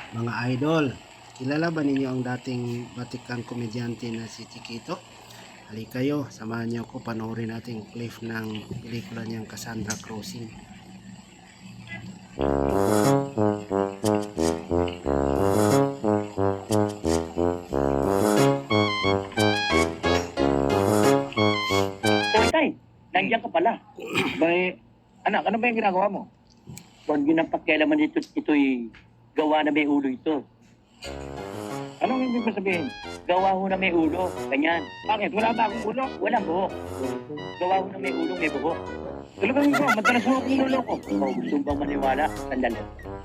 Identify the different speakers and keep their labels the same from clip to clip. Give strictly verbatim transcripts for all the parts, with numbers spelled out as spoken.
Speaker 1: Mga idol, kilala ba ninyo ang dating batikang komedyante na si Chiquito? Halika kayo, samahan niyo ako panoorin natin clip ng pelikula niyang Cassandra Crossing.
Speaker 2: Oh, tay, nandiyan ka pala. May, anak, ano ba yung ginagawa mo? Huwag yun ang pakialaman dito, ito'y gawa na may ulo ito. Anong ibig mo sabihin? Gawa ho na may ulo, ganyan. Bakit? Wala ba akong ulo? Walang buhok. Gawa ho na may ulo, may buhok. Talagang ko, madalas ho akong ulo ko. Oh, gusto mo bang maniwala? Sandali.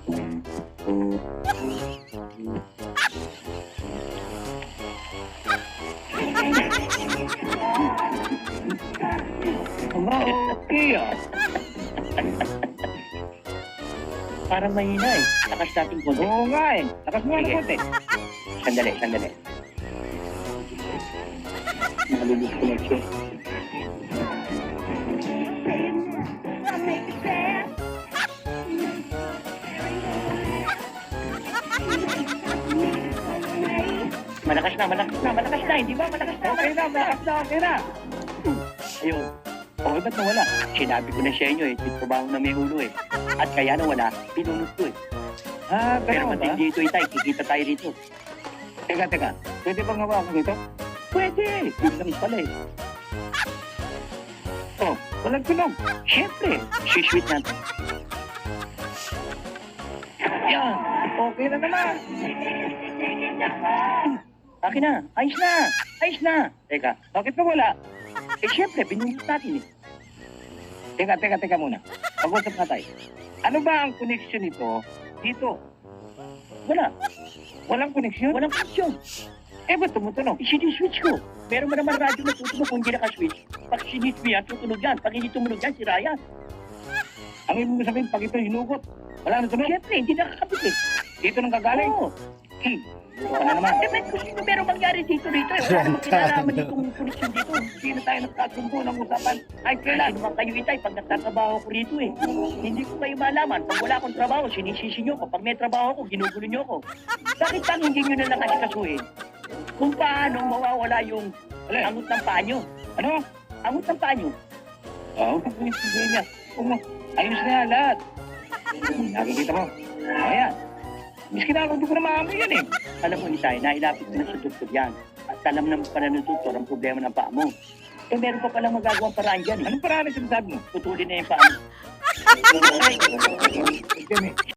Speaker 2: Aba, okay ah. Parang mahina eh. Lakas natin konti. Oo nga eh. Lakas mo ang konti. Sandali, sandali. Nalulus ko na siya. Malakas na, malakas na, malakas na. Hindi ba? Malakas na, okay na, malakas na, okay na. Ayun. Okay, ba't nawala? Sinabi ko na sa inyo eh, may trabaho na may ulo eh. At kaya nawala, pinunod ko eh. Ah, pero matindi ito itay, kikita tayo dito. Teka, teka, pwede bang hawa ako dito? Pwede, yun lang pala eh. Oh, walang tunog. Siyempre, sweet natin. Yan, okay na naman. Akin na, ayos na, ayos na. Teka, bakit nawala? Eh, siyempre, binunod natin eh. Teka, teka, teka muna. Pag-usap na tayo. Ano ba ang connection nito dito? Wala. Walang connection? Walang connection. Eh, ba't tumutunog? I-switch ko. Meron mo naman radyo na tutunog kung hindi nakaswitch. Pag sinit mo yan, tutunog yan. Pag hindi tumunog yan, sira yan. Ang ibig mo sabihin, pag ito hinugot, wala na tunog? Siyempre, hindi nakakabit eh. Dito nang gagaling? Oo. Hmm. Wala naman. Eh, ba't kung sino meron mangyari dito rito eh? Wala namang kinalaman itong connection dito. Sino tayo nagkasundo ng usapan? Ay, kailan naman kayo itay pag nagtatrabaho ko rito eh. Hindi ko kayo malaman. Pag wala akong trabaho, sinisisi nyo ko. Pag may trabaho ko, ginugulo nyo ko. Bakit lang hindi nyo na lang asikasuhin? Kung paano mawawala yung angot ng paa nyo? Ano? Angot ng paa nyo? Oo, oh, kung sabihin niya. Ayos na yan lahat. Nakikita mo? Ayan. Miski na ako, hindi ko na maamoy yan eh. Alam mo, Itay, nailapit mo na sa doktor yan. At alam naman pala ng doktor ang problema ng paa mo. Eh, meron pa palang magagawang paraan dyan eh. Anong paraan na sinasabi mo? Putulin na yung paa mo.